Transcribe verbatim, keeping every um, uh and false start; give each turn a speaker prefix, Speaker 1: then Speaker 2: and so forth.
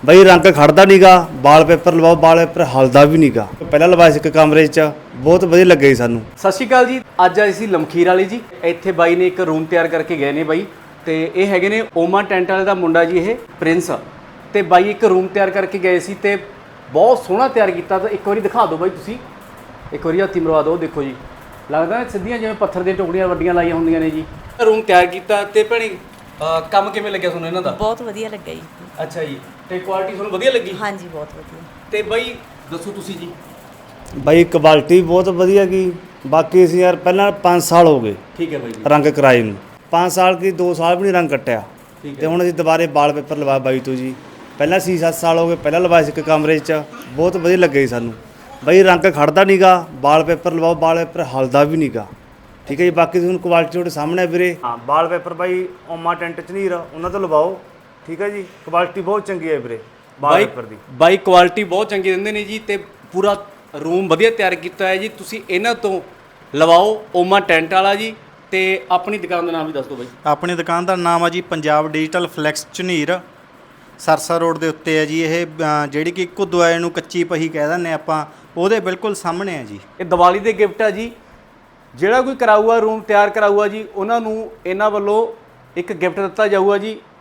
Speaker 1: ਬਈ ਰੰਗ ਖੜਦਾ ਨਹੀਂਗਾ, ਵਾਲਪੇਪਰ ਲਵਾਓ, ਵਾਲਪੇਪਰ ਹਲਦਾ ਵੀ ਨਹੀਂਗਾ। ਪਹਿਲਾਂ ਲਵਾਇਆ ਸੀ ਇੱਕ ਕਮਰੇ 'ਚ, ਬਹੁਤ ਵਧੀਆ ਲੱਗੇ ਸਾਨੂੰ।
Speaker 2: ਸਤਿ ਸ਼੍ਰੀ ਅਕਾਲ ਜੀ। ਅੱਜ ਆਏ ਸੀ ਲਮਖੀਰ ਵਾਲੀ ਜੀ। ਇੱਥੇ ਬਾਈ ਨੇ ਇੱਕ ਰੂਮ ਤਿਆਰ ਕਰਕੇ ਗਏ ਨੇ ਬਾਈ, ਤੇ ਇਹ ਹੈਗੇ ਨੇ ਓਮਾ ਟੈਂਟ ਵਾਲੇ ਦਾ ਮੁੰਡਾ ਜੀ, ਇਹ ਪ੍ਰਿੰਸ। ਤੇ ਬਾਈ ਇੱਕ ਰੂਮ ਤਿਆਰ ਕਰਕੇ ਗਏ ਸੀ ਤੇ ਬਹੁਤ ਸੋਹਣਾ ਤਿਆਰ ਕੀਤਾ। ਤਾਂ ਇੱਕ ਵਾਰੀ ਦਿਖਾ ਦਿਓ ਬਾਈ, ਤੁਸੀਂ ਇੱਕ ਵਾਰੀ ਹੱਥੀ ਮਰਵਾ ਦਿਓ। ਦੇਖੋ ਜੀ, ਲੱਗਦਾ ਸਿੱਧੀਆਂ ਜਿਵੇਂ ਪੱਥਰ ਦੀਆਂ ਟੁਕੜੀਆਂ ਵੱਡੀਆਂ ਲਾਈਆਂ ਹੁੰਦੀਆਂ ਨੇ ਜੀ। ਰੂਮ ਤਿਆਰ ਕੀਤਾ ਤੇ ਭੈਣੇ ਕੰਮ ਕਿਵੇਂ ਲੱਗਿਆ ਤੁਹਾਨੂੰ ਇਹਨਾਂ ਦਾ?
Speaker 3: ਬਹੁਤ ਵਧੀਆ ਲੱਗਾ ਜੀ।
Speaker 2: ਅੱਛਾ ਜੀ, ਤੇ ਕੁਆਲਿਟੀ ਤੁਹਾਨੂੰ ਵਧੀਆ ਲੱਗੀ?
Speaker 3: ਹਾਂਜੀ, ਬਹੁਤ ਵਧੀਆ।
Speaker 2: ਤੇ ਬਾਈ ਦੱਸੋ ਤੁਸੀਂ ਜੀ।
Speaker 1: ਬਈ ਕੁਆਲਿਟੀ ਬਹੁਤ ਵਧੀਆ ਗਈ। ਬਾਕੀ ਅਸੀਂ ਯਾਰ ਪਹਿਲਾਂ ਪੰਜ ਸਾਲ ਹੋ ਗਏ
Speaker 2: ਠੀਕ ਹੈ ਬਾਈ ਜੀ
Speaker 1: ਰੰਗ ਕਰਾਏ ਨੂੰ, ਪੰਜ ਸਾਲ ਕੀ ਦੋ ਸਾਲ ਵੀ ਨਹੀਂ ਰੰਗ ਕੱਟਿਆ।
Speaker 2: ਠੀਕ ਹੈ।
Speaker 1: ਤੇ ਹੁਣ ਅਸੀਂ ਦੁਬਾਰੇ ਵਾਲਪੇਪਰ ਲਵਾ ਬਾਈ ਤੋਂ ਜੀ। ਪਹਿਲਾਂ ਛੇ ਸੱਤ ਸਾਲ ਹੋ ਗਏ, ਪਹਿਲਾਂ ਲਵਾਇਆ ਸੀ ਇੱਕ ਕਮਰੇ 'ਚ, ਬਹੁਤ ਵਧੀਆ ਲੱਗੇ ਸਾਨੂੰ। ਬਈ ਰੰਗ ਖੜਦਾ ਨਹੀਂਗਾ, ਵਾਲਪੇਪਰ ਲਵਾਓ, ਵਾਲਪੇਪਰ ਹਲਦਾ ਵੀ ਨਹੀਂਗਾ। ਠੀਕ ਹੈ ਜੀ। ਬਾਕੀ ਤੁਹਾਨੂੰ ਕੁਆਲਿਟੀ ਤੁਹਾਡੇ ਸਾਹਮਣੇ ਹੈ ਵੀਰੇ। ਹਾਂ, ਵਾਲਪੇਪਰ ਬਾਈ ਓਮਾ ਟੈਂਟ ਝਨੀਰ ਉਹਨਾਂ ਤੋਂ ਲਵਾਓ। ਠੀਕ ਹੈ ਜੀ, ਕੁਆਲਿਟੀ ਬਹੁਤ ਚੰਗੀ ਹੈ ਵੀਰੇ ਵਾਲਪੇਪਰ ਦੀ।
Speaker 2: ਬਾਈ ਕੁਆਲਿਟੀ ਬਹੁਤ ਚੰਗੀ ਦਿੰਦੇ ਨੇ ਜੀ, ਤੇ ਪੂਰਾ ਰੂਮ ਵਧੀਆ ਤਿਆਰ ਕੀਤਾ ਹੈ ਜੀ। ਤੁਸੀਂ ਇਹਨਾਂ ਤੋਂ ਲਵਾਓ, ਓਮਾ ਟੈਂਟ ਵਾਲਾ ਜੀ। ਤੇ ਆਪਣੀ ਦੁਕਾਨ ਦਾ ਨਾਮ ਵੀ ਦੱਸ ਦਿਓ ਬਾਈ।
Speaker 4: ਆਪਣੀ ਦੁਕਾਨ ਦਾ ਨਾਮ ਆ ਜੀ Punjab digital flex Jhanir, Sirsa road ਦੇ ਉੱਤੇ ਹੈ ਜੀ। ਇਹ ਅ, ਜਿਹੜੀ ਕਿ ਘੁੱਦੂਆਏ ਨੂੰ ਕੱਚੀ ਪਹੀ ਕਹਿ ਦਿੰਦੇ ਆਪਾਂ, ਉਹਦੇ ਬਿਲਕੁਲ ਸਾਹਮਣੇ ਹੈ ਜੀ।
Speaker 2: ਇਹ ਦੀਵਾਲੀ ਦੇ ਗਿਫਟ ਆ ਜੀ। ਜਿਹੜਾ ਕੋਈ ਕਰਾਊਗਾ, ਰੂਮ ਤਿਆਰ ਕਰਾਊਗਾ ਜੀ, ਉਹਨਾਂ ਨੂੰ ਇਹਨਾਂ ਵੱਲੋਂ ਇੱਕ ਗਿਫਟ ਦਿੱਤਾ ਜਾਊਗਾ ਜੀ।